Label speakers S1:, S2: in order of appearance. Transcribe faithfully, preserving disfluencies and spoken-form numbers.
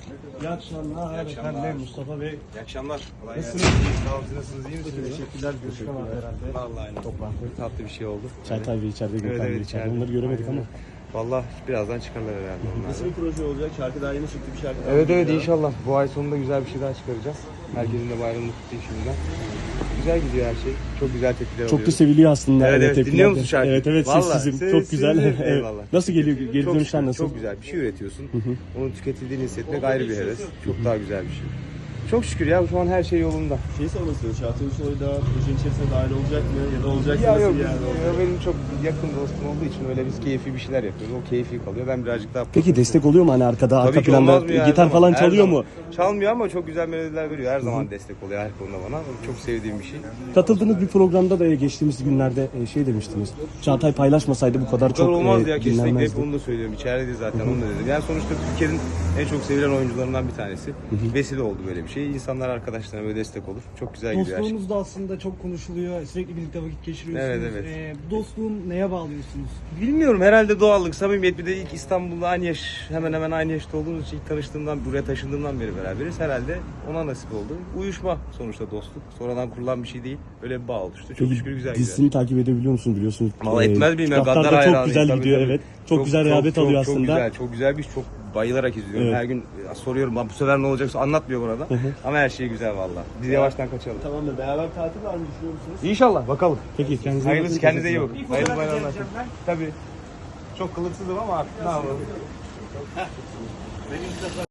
S1: İyi akşamlar.
S2: İyi akşamlar.
S1: Efendim Mustafa Bey.
S2: İyi akşamlar. Kolay gelsin.
S1: Nasılsınız?
S2: Sağ olun. Siz nasılsınız? İyi misiniz?
S1: Teşekkürler. Görüşme var herhalde.
S2: Vallahi aynen. Toplantı. Tatlı bir şey oldu.
S3: Çağatay Bey içeride, Gökhan
S2: Evet,
S3: Bey
S2: evet,
S3: içeride.
S2: içeride.
S3: Onları göremedik ama.
S2: Vallahi birazdan çıkarlar herhalde onlar.
S1: Nasıl bir proje olacak? Şarkı daha yeni çıktı, bir şarkı daha
S2: Evet evet
S1: geliyor.
S2: inşallah. Bu ay sonunda güzel bir şey daha çıkaracağız. Herkesin de bayramını kutlayayım şimdiden. Güzel gidiyor her şey. Çok güzel tepkiler
S3: Çok da
S2: alıyoruz.
S3: seviliyor aslında.
S2: Evet, evet.
S3: tepkiler
S2: Dinliyor
S3: de.
S2: musun şarkıyı?
S3: Evet evet
S2: Vallahi,
S3: sessizim.
S2: ses-
S3: Çok güzel.
S2: sessizim.
S3: Evet.
S2: Eyvallah.
S3: Nasıl geliyor? Geri
S2: Çok
S3: dönüşler
S2: şükür,
S3: nasıl?
S2: Çok güzel. Bir şey üretiyorsun. Onun tüketildiğini hissetmek ayrı bir heves. Çok daha güzel bir şey. Çok şükür ya şu an her şey yolunda.
S1: Şey sormak istiyorum. Çağatay Ulusoy da projenin içerisine dahil olacak mı? Ya da olacaksa
S2: Ya
S1: nasıl
S2: yok,
S1: bir yerde olacak?
S2: ya benim çok yakın dostum olduğu için öyle biz keyfi bir şeyler yapıyoruz. O keyfi kalıyor. Ben birazcık daha...
S3: Peki destek oluyor mu hani arkada, arka
S2: Tabii ki olmaz
S3: planda
S2: mı ya, her
S3: gitar
S2: zaman,
S3: falan
S2: her
S3: çalıyor
S2: zaman.
S3: mu?
S2: Çalmıyor ama çok güzel melodiler veriyor. Her zaman destek oluyor her konuda bana. Çok sevdiğim bir şey.
S3: Katıldığınız bir programda da geçtiğimiz günlerde e, şey demiştiniz. Çağatay paylaşmasaydı bu kadar
S2: Bu kadar
S3: çok
S2: olmaz
S3: e,
S2: ya kesinlikle. Hep
S3: dinlenmezdi.
S2: onu da söylüyorum. İçeride zaten onu da dedim. Yani sonuçta Türkiye'nin en çok sevilen oyuncularından bir tanesi. Vesile oldu böyle bir şey. İnsanlar arkadaşlarına böyle destek olur. Çok güzel gidiyor her şey.
S4: Dostluğunuz da aslında çok konuşuluyor. Sürekli birlikte vakit geçiriyorsunuz.
S2: Evet, evet.
S4: Ee, bu dostluğun neye bağlıyorsunuz?
S2: Bilmiyorum herhalde doğallık, samimiyet. Bir de ilk İstanbul'da aynı yaş, hemen hemen aynı yaşta olduğumuz için ilk tanıştığımdan, buraya taşındığımdan beri beraberiz. Herhalde ona nasip oldu. Uyuşma sonuçta dostluk. Sonradan kurulan bir şey değil. Öyle bir bağ oluştu. Çok
S3: Peki
S2: şükür güzel
S3: dizisini takip edebiliyor musunuz biliyorsunuz?
S2: Valla
S3: E,
S2: etmez miyim ya?
S3: kitaplar da
S2: Gaddar
S3: çok
S2: hayranıyım.
S3: güzel
S2: Tabii,
S3: gidiyor
S2: tabii.
S3: evet. Çok, güzel rehavet
S2: çok,
S3: alıyor
S2: çok
S3: aslında.
S2: Güzel, çok güzel bir iş. Çok bayılarak izliyorum.
S3: Evet.
S2: Her gün ya, soruyorum bu sefer ne olacaksa anlatmıyor burada. Ama her şey güzel valla. Biz yavaştan kaçalım.
S1: Tamamdır. Beraber tatil var mı düşünüyor musunuz?
S2: İnşallah bakalım.
S3: Peki kendinize
S2: Hayırlısı,
S3: bakın.
S2: kendinize iyi bakın. Hayırlı
S4: fotoğraf
S2: bayramlar.
S4: çekeceğim ben.
S2: Tabii. Çok kılıksızım ama artık ne yapalım.